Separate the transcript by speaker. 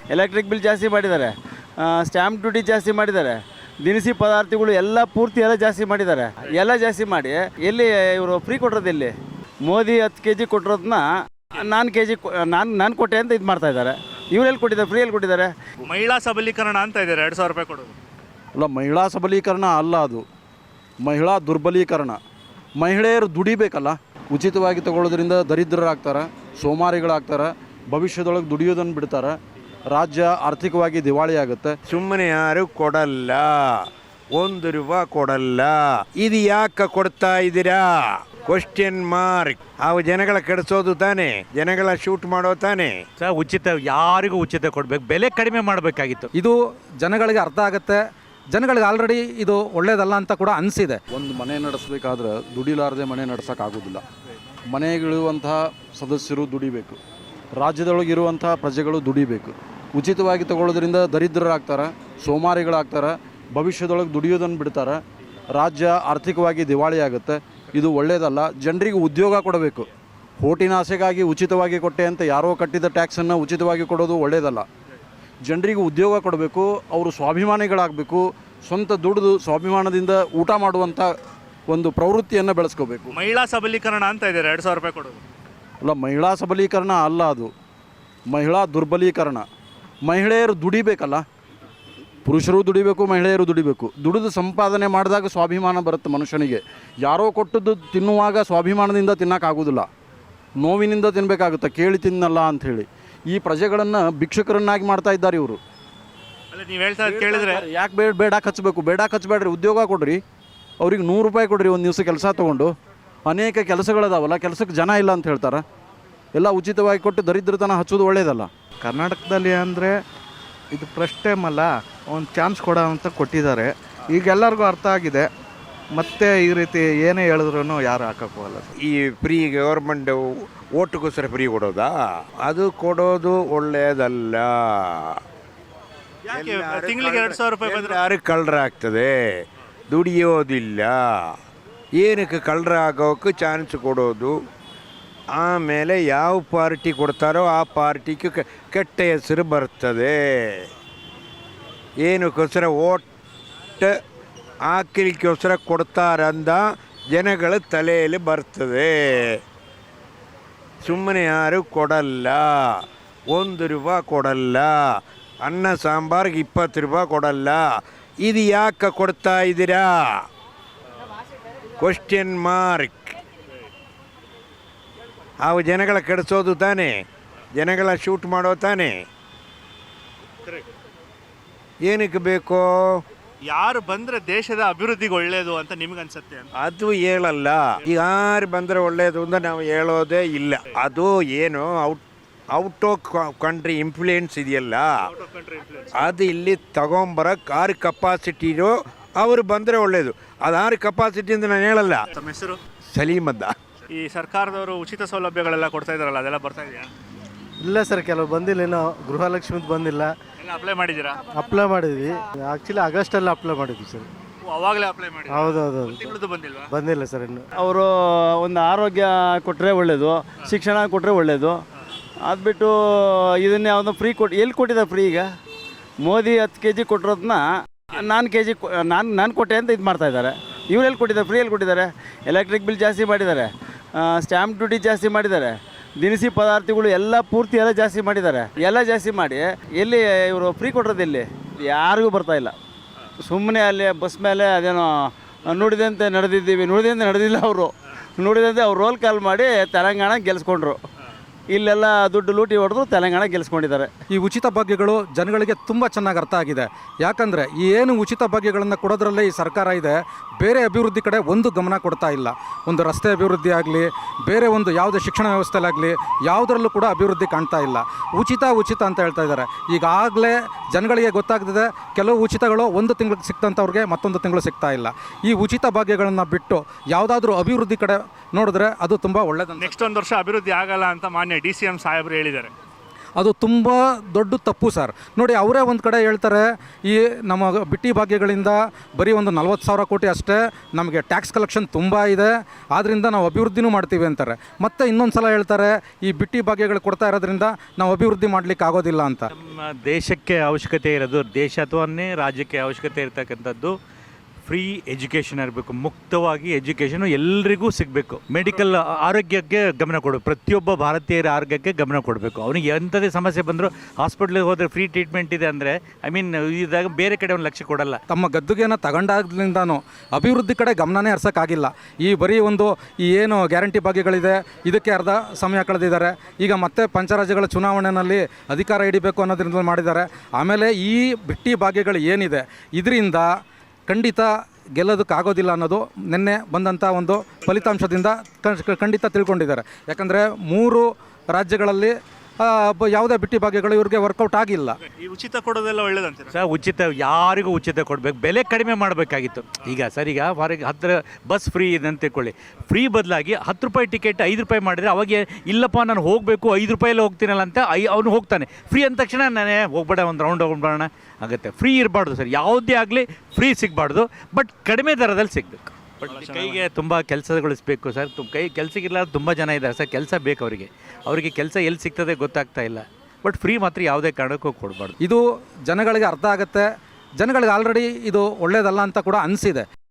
Speaker 1: Electric bill ಜಾಸ್ತಿ ಮಾಡಿದ್ದಾರೆ, stamp duty ಜಾಸ್ತಿ ಮಾಡಿದ್ದಾರೆ, ದಿನಸಿ ಪದಾರ್ಥಗಳು ಎಲ್ಲ ಪೂರ್ತಿ ಎಲ್ಲ ಜಾಸ್ತಿ ಮಾಡಿದ್ದಾರೆ. ಎಲ್ಲ ಜಾಸ್ತಿ ಮಾಡಿ ಎಲ್ಲಿ ಇವರು ಫ್ರೀ ಕೊಟ್ಟಿರೋದು ಎಲ್ಲಿ? ಮೋದಿ 10 kg ಕೊಟ್ಟಿರೋದನ್ನ ನಾನು kg ನಾನು ಕೊಟ್ಟೆ ಅಂತ ಇದು ಮಾಡ್ತಾ ಇದ್ದಾರೆ. ಇವರೆಲ್ಲಿ ಕೊಟ್ಟಿದ್ದಾರೆ? ಫ್ರೀಯಲ್ಲಿ ಕೊಟ್ಟಿದ್ದಾರೆ.
Speaker 2: ಮಹಿಳಾ ಸಬಲೀಕರಣ ಅಂತ ಇದ್ದಾರೆ 2,000 ರೂಪಾಯಿ ಕೊಡೋದು.
Speaker 3: ಅಲ್ಲ, ಮಹಿಳಾ ಸಬಲೀಕರಣ ಅಲ್ಲ, ಅದು ಮಹಿಳಾ ದುರ್ಬಲೀಕರಣ. ಮಹಿಳೆಯರು ದುಡಿಬೇಕಲ್ಲ. ಉಚಿತವಾಗಿ ತಗೊಳ್ಳೋದ್ರಿಂದ ದರಿದ್ರರಾಗ್ತಾರೆ, ಸೋಮಾರಿಗಳಾಗ್ತಾರೆ, ಭವಿಷ್ಯದೊಳಗೆ ದುಡಿಯೋದನ್ನು ಬಿಡ್ತಾರೆ, ರಾಜ್ಯ ಆರ್ಥಿಕವಾಗಿ ದಿವಾಳಿ ಆಗುತ್ತೆ.
Speaker 4: ಸುಮ್ಮನೆ ಯಾರು ಕೊಡಲ್ಲ, 1 ರೂಪಾಯಿ ಕೊಡಲ್ಲ. ಇದು ಯಾಕೆ ಕೊಡ್ತಾ ಇದ್ದೀರಾ? Question mark. ಅವು ಜನಗಳ ಕೆಡಿಸೋದು ತಾನೇ, ಜನಗಳ ಶೂಟ್ ಮಾಡೋ ತಾನೇ.
Speaker 5: ಉಚಿತ ಯಾರಿಗೂ ಉಚಿತ ಕೊಡಬೇಕು, ಬೆಲೆ ಕಡಿಮೆ ಮಾಡಬೇಕಾಗಿತ್ತು.
Speaker 6: ಇದು ಜನಗಳಿಗೆ ಅರ್ಥ ಆಗುತ್ತೆ. ಜನಗಳಿಗೆ ಆಲ್ರೆಡಿ ಇದು ಒಳ್ಳೇದಲ್ಲ ಅಂತ ಕೂಡ ಅನಿಸಿದೆ.
Speaker 3: ಒಂದು ಮನೆ ನಡೆಸಬೇಕಾದ್ರೆ ದುಡಿಲಾರದೆ ಮನೆ ನಡೆಸೋಕ್ಕಾಗೋದಿಲ್ಲ. ಮನೆಗಳಿರುವಂತಹ ಸದಸ್ಯರು ದುಡಿಬೇಕು, ರಾಜ್ಯದೊಳಗಿರುವಂತಹ ಪ್ರಜೆಗಳು ದುಡಿಬೇಕು. ಉಚಿತವಾಗಿ ತಗೊಳ್ಳೋದ್ರಿಂದ ದರಿದ್ರರಾಗ್ತಾರೆ, ಸೋಮಾರಿಗಳಾಗ್ತಾರೆ, ಭವಿಷ್ಯದೊಳಗೆ ದುಡಿಯೋದನ್ನು ಬಿಡ್ತಾರೆ, ರಾಜ್ಯ ಆರ್ಥಿಕವಾಗಿ ದಿವಾಳಿ ಆಗುತ್ತೆ. ಇದು ಒಳ್ಳೆಯದಲ್ಲ. ಜನರಿಗೆ ಉದ್ಯೋಗ ಕೊಡಬೇಕು. ಹೋಟಿನ ಆಸೆಗಾಗಿ ಉಚಿತವಾಗಿ ಕೊಟ್ಟೆ ಅಂತ ಯಾರೋ ಕಟ್ಟಿದ ಟ್ಯಾಕ್ಸನ್ನು ಉಚಿತವಾಗಿ ಕೊಡೋದು ಒಳ್ಳೆಯದಲ್ಲ. ಜನರಿಗೆ ಉದ್ಯೋಗ ಕೊಡಬೇಕು, ಅವರು ಸ್ವಾಭಿಮಾನಿಗಳಾಗಬೇಕು, ಸ್ವಂತ ದುಡಿದು ಸ್ವಾಭಿಮಾನದಿಂದ ಊಟ ಮಾಡುವಂಥ ಒಂದು ಪ್ರವೃತ್ತಿಯನ್ನು ಬೆಳೆಸ್ಕೋಬೇಕು.
Speaker 2: ಮಹಿಳಾ ಸಬಲೀಕರಣ ಅಂತ ಇದ್ದಾರೆ 2,000 ರೂಪಾಯಿ ಕೊಡೋದು.
Speaker 3: ಅಲ್ಲ, ಮಹಿಳಾ ಸಬಲೀಕರಣ ಅಲ್ಲ, ಅದು ಮಹಿಳಾ ದುರ್ಬಲೀಕರಣ. ಮಹಿಳೆಯರು ದುಡಿಬೇಕಲ್ಲ. ಪುರುಷರು ದುಡಿಬೇಕು, ಮಹಿಳೆಯರು ದುಡಿಬೇಕು. ದುಡಿದು ಸಂಪಾದನೆ ಮಾಡಿದಾಗ ಸ್ವಾಭಿಮಾನ ಬರುತ್ತೆ ಮನುಷ್ಯನಿಗೆ. ಯಾರೋ ಕೊಟ್ಟದ್ದು ತಿನ್ನುವಾಗ ಸ್ವಾಭಿಮಾನದಿಂದ ತಿನ್ನೋಕ್ಕಾಗೋದಿಲ್ಲ, ನೋವಿನಿಂದ ತಿನ್ನಬೇಕಾಗುತ್ತೆ. ಕೇಳಿ ತಿನ್ನಲ್ಲ ಅಂಥೇಳಿ ಈ ಪ್ರಜೆಗಳನ್ನು ಭಿಕ್ಷುಕರನ್ನಾಗಿ ಮಾಡ್ತಾ ಇದ್ದಾರೆ ಇವರು.
Speaker 2: ನೀವು ಹೇಳ್ತಾ ಕೇಳಿದ್ರೆ
Speaker 3: ಯಾಕೆ ಬೇಡ ಹಚ್ಚಬೇಕು? ಬೇಡ ಹಚ್ಚಬೇಡ್ರಿ, ಉದ್ಯೋಗ ಕೊಡ್ರಿ. ಅವ್ರಿಗೆ 100 ರೂಪಾಯಿ ಕೊಡ್ರಿ ಒಂದು ದಿವಸ ಕೆಲಸ ತೊಗೊಂಡು. ಅನೇಕ ಕೆಲಸಗಳದಾವಲ್ಲ, ಕೆಲಸಕ್ಕೆ ಜನ ಇಲ್ಲ ಅಂತ ಹೇಳ್ತಾರೆ. ಎಲ್ಲ ಉಚಿತವಾಗಿ ಕೊಟ್ಟು ದರಿದ್ರತನ ಹಚ್ಚೋದು ಒಳ್ಳೆಯದಲ್ಲ.
Speaker 7: ಕರ್ನಾಟಕದಲ್ಲಿ ಅಂದರೆ ಇದು ಫಸ್ಟ್ ಟೈಮ್ ಅಲ್ಲ, ಒಂದು ಚಾನ್ಸ್ ಕೊಡೋ ಅಂತ ಕೊಟ್ಟಿದ್ದಾರೆ. ಈಗ ಎಲ್ಲರಿಗೂ ಅರ್ಥ ಆಗಿದೆ. ಮತ್ತೆ ಈ ರೀತಿ ಏನೇ ಹೇಳಿದ್ರು ಯಾರು ಹಾಕೋಕ್ಕೋಗಲ್ಲ.
Speaker 4: ಈ ಫ್ರೀ ಗೌರ್ಮೆಂಟ್ ಓಟ್ಗೋಸ್ಕರ ಫ್ರೀ ಕೊಡೋದಾ? ಅದು ಕೊಡೋದು ಒಳ್ಳೆಯದಲ್ಲ.
Speaker 2: ತಿಂಗಳಿಗೆ 2,000 ರೂಪಾಯಿ ಬಂದರೆ
Speaker 4: ಯಾರು ಕಳ್ಳರಾಗ್ತದೆ, ದುಡಿಯೋದಿಲ್ಲ. ಏನಕ್ಕೆ ಕಳ್ಳರ ಆಗೋಕ್ಕೆ ಚಾನ್ಸ್ ಕೊಡೋದು? ಆಮೇಲೆ ಯಾವ ಪಾರ್ಟಿ ಕೊಡ್ತಾರೋ ಆ ಪಾರ್ಟಿಗೆ ಕೆಟ್ಟ ಹೆಸರು ಬರ್ತದೆ. ಏನಕ್ಕೋಸ್ಕರ ಓಟ್ ಹಾಕಲಿಕ್ಕೋಸ್ಕರ ಕೊಡ್ತಾರಂದ ಜನಗಳ ತಲೆಯಲ್ಲಿ ಬರ್ತದೆ. ಸುಮ್ಮನೆ ಯಾರು ಕೊಡಲ್ಲ, 1 ರೂಪಾಯಿ ಕೊಡಲ್ಲ. ಅನ್ನ ಸಾಂಬಾರ್ಗೆ 20 ರೂಪಾಯಿ ಕೊಡಲ್ಲ. ಇದು ಯಾಕೆ ಕೊಡ್ತಾ ಇದ್ದೀರಾ? Question mark. ಅವು ಜನಗಳ ಕೆಡಿಸೋದು ತಾನೇ, ಜನಗಳ ಶೂಟ್ ಮಾಡೋ ತಾನೇ. ಏನಕ್ಕೆ ಬೇಕೋ?
Speaker 2: ಯಾರು ಬಂದರೆ ದೇಶದ ಅಭಿವೃದ್ಧಿಗೆ ಒಳ್ಳೆಯದು ಅಂತ ನಿಮ್ಗೆ ಅನ್ಸುತ್ತೆ ಅಂತ?
Speaker 4: ಅದು ಹೇಳಲ್ಲ. ಯಾರು ಬಂದರೆ ಒಳ್ಳೆಯದು ಅಂತ ನಾವು ಹೇಳೋದೇ ಇಲ್ಲ. ಅದು ಏನು ಔಟ್ ಆಫ್ ಕಂಟ್ರಿ ಇನ್ಫ್ಲೂಯೆನ್ಸ್ ಇದೆಯಲ್ಲ, ಅದು ಇಲ್ಲಿ ತಗೊಂಬರಕ್ಕೆ ಯಾರು ಕೆಪಾಸಿಟಿ ಇರೋ ಅವರು ಬಂದರೆ ಒಳ್ಳೆಯದು. ಅದು ಯಾರು ಕೆಪಾಸಿಟಿ ಅಂತ ನಾನು ಹೇಳಲ್ಲ.
Speaker 2: ತಮ್ಮ ಹೆಸರು?
Speaker 4: ಸಲೀಮದ್ದ.
Speaker 2: ಈ ಸರ್ಕಾರದವರು ಉಚಿತ ಸೌಲಭ್ಯಗಳೆಲ್ಲ ಕೊಡ್ತಾ ಇದ್ದಾರಲ್ಲ, ಅದೆಲ್ಲ ಬರ್ತಾ ಇದೆಯಾ?
Speaker 8: ಇಲ್ಲ ಸರ್, ಕೆಲವು ಬಂದಿಲ್ಲ. ಏನೋ ಗೃಹಲಕ್ಷ್ಮಿದು ಬಂದಿಲ್ಲ.
Speaker 2: ಎಲ್ಲ ಅಪ್ಲೈ ಮಾಡಿದ್ದೀರಾ?
Speaker 8: ಅಪ್ಲೈ ಮಾಡಿದ್ವಿ. ಆ್ಯಕ್ಚುಲಿ ಆಗಸ್ಟಲ್ಲಿ ಅಪ್ಲೈ ಮಾಡಿದ್ವಿ ಸರ್.
Speaker 2: ಅವಾಗಲೇ ಅಪ್ಲೈ ಮಾಡಿ?
Speaker 8: ಹೌದೌದು.
Speaker 2: ತಿಂಗಳದ್ದು ಬಂದಿಲ್ವಾ?
Speaker 8: ಬಂದಿಲ್ಲ ಸರ್ ಇನ್ನು.
Speaker 1: ಅವರು ಒಂದು ಆರೋಗ್ಯ ಕೊಟ್ಟರೆ ಒಳ್ಳೆಯದು, ಶಿಕ್ಷಣ ಕೊಟ್ಟರೆ ಒಳ್ಳೆಯದು. ಅದು ಬಿಟ್ಟು ಇದನ್ನೇ ಯಾವುದೋ ಫ್ರೀ ಎಲ್ಲಿ ಕೊಟ್ಟಿದ್ದಾರೆ ಫ್ರೀ? ಈಗ ಮೋದಿ 10 kg ಕೊಟ್ಟಿರೋದನ್ನ ನಾನು kg ನಾನು ಕೊಟ್ಟೆ ಅಂತ ಇದು ಮಾಡ್ತಾ ಇದ್ದಾರೆ. ಇವರೆಲ್ಲಿ ಕೊಟ್ಟಿದ್ದಾರೆ? ಫ್ರೀಯಲ್ಲಿ ಕೊಟ್ಟಿದ್ದಾರೆ. ಎಲೆಕ್ಟ್ರಿಕ್ ಬಿಲ್ ಜಾಸ್ತಿ ಮಾಡಿದ್ದಾರೆ, ಸ್ಟ್ಯಾಂಪ್ ಡ್ಯೂಟಿ ಜಾಸ್ತಿ ಮಾಡಿದ್ದಾರೆ, ದಿನಸಿ ಪದಾರ್ಥಗಳು ಎಲ್ಲ ಪೂರ್ತಿ ಎಲ್ಲ ಜಾಸ್ತಿ ಮಾಡಿದ್ದಾರೆ. ಎಲ್ಲ ಜಾಸ್ತಿ ಮಾಡಿ ಎಲ್ಲಿ ಇವರು ಫ್ರೀ ಕೊಟ್ಟಿರೋದು ಎಲ್ಲಿ? ಯಾರಿಗೂ ಬರ್ತಾ ಇಲ್ಲ. ಸುಮ್ಮನೆ ಅಲ್ಲಿ ಬಸ್ ಮೇಲೆ ಅದೇನೋ ನುಡಿದಂತೆ ನಡೆದಿದ್ದೀವಿ, ನುಡಿದಂತೆ ನಡೆದಿಲ್ಲ. ಅವರು ನುಡಿದಂತೆ ಅವ್ರು ರೋಲ್ ಕಾಲ್ ಮಾಡಿ ತೆಲಂಗಾಣ ಗೆಲ್ಸ್ಕೊಂಡ್ರು. ಇಲ್ಲೆಲ್ಲ ದುಡ್ಡು ಲೂಟಿ ಹೊಡೆದು ತೆಲಂಗಾಣ ಗೆಲ್ಸ್ಕೊಂಡಿದ್ದಾರೆ.
Speaker 6: ಈ ಉಚಿತ ಭಾಗ್ಯಗಳು ಜನಗಳಿಗೆ ತುಂಬ ಚೆನ್ನಾಗಿ ಅರ್ಥ ಆಗಿದೆ. ಯಾಕಂದರೆ ಈ ಏನು ಉಚಿತ ಭಾಗ್ಯಗಳನ್ನು ಕೊಡೋದ್ರಲ್ಲೇ ಈ ಸರ್ಕಾರ ಇದೆ, ಬೇರೆ ಅಭಿವೃದ್ಧಿ ಕಡೆ ಒಂದು ಗಮನ ಕೊಡ್ತಾ ಇಲ್ಲ. ಒಂದು ರಸ್ತೆ ಅಭಿವೃದ್ಧಿ ಆಗಲಿ, ಬೇರೆ ಒಂದು ಯಾವುದೇ ಶಿಕ್ಷಣ ವ್ಯವಸ್ಥೆಲಾಗಲಿ ಯಾವುದರಲ್ಲೂ ಕೂಡ ಅಭಿವೃದ್ಧಿ ಕಾಣ್ತಾ ಇಲ್ಲ. ಉಚಿತ ಅಂತ ಹೇಳ್ತಾ ಇದ್ದಾರೆ. ಈಗಾಗಲೇ ಜನಗಳಿಗೆ ಗೊತ್ತಾಗ್ತಿದೆ, ಕೆಲವು ಉಚಿತಗಳು 1 ತಿಂಗಳಿಗೆ ಸಿಕ್ತಂಥವ್ರಿಗೆ ಮತ್ತೊಂದು ತಿಂಗಳು ಸಿಗ್ತಾ ಇಲ್ಲ. ಈ ಉಚಿತ ಭಾಗ್ಯಗಳನ್ನು ಬಿಟ್ಟು ಯಾವುದಾದ್ರೂ ಅಭಿವೃದ್ಧಿ ಕಡೆ ನೋಡಿದ್ರೆ ಅದು ತುಂಬ ಒಳ್ಳೆಯದು.
Speaker 2: ನೆಕ್ಸ್ಟ್ 1 ವರ್ಷ ಅಭಿವೃದ್ಧಿ ಆಗಲ್ಲ ಅಂತ ಮಾನ್ಯ DCM ಸಾಹೇಬರು ಹೇಳಿದ್ದಾರೆ.
Speaker 6: ಅದು ತುಂಬ ದೊಡ್ಡ ತಪ್ಪು ಸರ್. ನೋಡಿ, ಅವರೇ ಒಂದು ಕಡೆ ಹೇಳ್ತಾರೆ, ಈ ನಮ್ಮ ಬಿಟ್ಟಿ ಭಾಗ್ಯಗಳಿಂದ ಬರೀ ಒಂದು 40,000 ಕೋಟಿ ಅಷ್ಟೇ ನಮಗೆ ಟ್ಯಾಕ್ಸ್ ಕಲೆಕ್ಷನ್ ತುಂಬ ಇದೆ, ಆದ್ದರಿಂದ ನಾವು ಅಭಿವೃದ್ಧಿನೂ ಮಾಡ್ತೀವಿ ಅಂತಾರೆ. ಮತ್ತು ಇನ್ನೊಂದು ಸಲ ಹೇಳ್ತಾರೆ, ಈ ಬಿಟ್ಟಿ ಭಾಗ್ಯಗಳು ಕೊಡ್ತಾ ಇರೋದ್ರಿಂದ ನಾವು ಅಭಿವೃದ್ಧಿ ಮಾಡಲಿಕ್ಕೆ ಆಗೋದಿಲ್ಲ ಅಂತ.
Speaker 5: ನಮ್ಮ ದೇಶಕ್ಕೆ ಅವಶ್ಯಕತೆ ಇರೋದು, ದೇಶ ಅಥವಾ ರಾಜ್ಯಕ್ಕೆ ಅವಶ್ಯಕತೆ ಇರತಕ್ಕಂಥದ್ದು ಫ್ರೀ ಎಜುಕೇಷನ್ ಇರಬೇಕು. ಮುಕ್ತವಾಗಿ ಎಜುಕೇಷನು ಎಲ್ರಿಗೂ ಸಿಗಬೇಕು. ಮೆಡಿಕಲ್ ಆರೋಗ್ಯಕ್ಕೆ ಗಮನ ಕೊಡಬೇಕು. ಪ್ರತಿಯೊಬ್ಬ ಭಾರತೀಯರ ಆರೋಗ್ಯಕ್ಕೆ ಗಮನ ಕೊಡಬೇಕು. ಅವನಿಗೆ ಎಂಥದೇ ಸಮಸ್ಯೆ ಬಂದರೂ ಹಾಸ್ಪಿಟ್ಲಿಗೆ ಹೋದರೆ ಫ್ರೀ ಟ್ರೀಟ್ಮೆಂಟ್ ಇದೆ ಅಂದರೆ, ಇದಾಗ ಬೇರೆ ಕಡೆ ಒಂದು ಲಕ್ಷ್ಯ ಕೊಡಲ್ಲ.
Speaker 6: ತಮ್ಮ ಗದ್ದುಗೆಯನ್ನು ತಗೊಂಡಾಗ್ಲಿಂದನೂ ಅಭಿವೃದ್ಧಿ ಕಡೆ ಗಮನನೇ ಹರಿಸೋಕ್ಕಾಗಿಲ್ಲ. ಈ ಬರೀ ಒಂದು ಈ ಏನು ಗ್ಯಾರಂಟಿ ಭಾಗ್ಯಗಳಿದೆ, ಇದಕ್ಕೆ ಅರ್ಧ ಸಮಯ ಕಳೆದಿದ್ದಾರೆ. ಈಗ ಮತ್ತೆ ಪಂಚರಾಜ್ಯಗಳ ಚುನಾವಣೆಯಲ್ಲಿ ಅಧಿಕಾರ ಹಿಡಿಬೇಕು ಅನ್ನೋದ್ರಿಂದ ಮಾಡಿದ್ದಾರೆ. ಆಮೇಲೆ ಈ ಬಿಟ್ಟಿ ಭಾಗ್ಯಗಳು ಏನಿದೆ, ಇದರಿಂದ ಖಂಡಿತ ಗೆಲ್ಲೋದಕ್ಕಾಗೋದಿಲ್ಲ ಅನ್ನೋದು ನಿನ್ನೆ ಬಂದಂಥ ಒಂದು ಫಲಿತಾಂಶದಿಂದ ಖಂಡಿತ ತಿಳ್ಕೊಂಡಿದ್ದಾರೆ. ಯಾಕಂದರೆ 3 ರಾಜ್ಯಗಳಲ್ಲಿ ಯಾವುದೇ ಬಿಟ್ಟಿ ಭಾಗ್ಯಗಳು ಇವ್ರಿಗೆ ವರ್ಕೌಟ್ ಆಗಿಲ್ಲ.
Speaker 2: ಈ ಉಚಿತ ಕೊಡೋದೆಲ್ಲ ಒಳ್ಳೇದಂತೀರ?
Speaker 5: ಸರ್, ಉಚಿತ ಯಾರಿಗೂ ಉಚಿತ ಕೊಡಬೇಕು. ಬೆಲೆ ಕಡಿಮೆ ಮಾಡಬೇಕಾಗಿತ್ತು. ಈಗ ಸರ್, ಈಗ ಫಾರಿಗೆ 10 ಬಸ್ ಫ್ರೀ ಇದೆ ಅಂತ ತಿಳ್ಕೊಳ್ಳಿ. ಫ್ರೀ ಬದಲಾಗಿ 10 ರೂಪಾಯಿ ಟಿಕೆಟ್ 5 ರೂಪಾಯಿ ಮಾಡಿದರೆ ಅವಾಗ ಇಲ್ಲಪ್ಪ ನಾನು ಹೋಗಬೇಕು 5 ರೂಪಾಯಲ್ಲಿ ಹೋಗ್ತೀನಲ್ಲ ಅಂತ ಅವನು ಹೋಗ್ತಾನೆ. ಫ್ರೀ ಅಂದ ತಕ್ಷಣ ನಾನೇ ಹೋಗ್ಬೇಡ, ಒಂದು ರೌಂಡ್ ಹೋಗ್ಬಿಡೋಣ ಆಗುತ್ತೆ. ಫ್ರೀ ಇರಬಾರ್ದು ಸರ್, ಯಾವುದೇ ಆಗಲಿ ಫ್ರೀ ಸಿಗಬಾರ್ದು, ಬಟ್ ಕಡಿಮೆ ದರದಲ್ಲಿ ಸಿಗಬೇಕು. ಬಟ್ ಕೈಗೆ ತುಂಬ ಕೆಲಸಗಳಿಸ್ಬೇಕು ಸರ್. ಕೆಲಸಕ್ಕಿಲ್ಲ ತುಂಬ ಜನ ಇದ್ದಾರೆ ಸರ್, ಕೆಲಸ ಬೇಕು ಅವರಿಗೆ ಕೆಲಸ ಎಲ್ಲಿ ಸಿಗ್ತದೆ ಗೊತ್ತಾಗ್ತಾ ಇಲ್ಲ. ಬಟ್ ಫ್ರೀ ಮಾತ್ರ ಯಾವುದೇ ಕಾರಣಕ್ಕೂ ಕೊಡಬಾರ್ದು.
Speaker 6: ಇದು ಜನಗಳಿಗೆ ಅರ್ಥ ಆಗುತ್ತೆ. ಜನಗಳಿಗೆ ಆಲ್ರೆಡಿ ಇದು ಒಳ್ಳೆಯದಲ್ಲ ಅಂತ ಕೂಡ ಅನಿಸಿದೆ.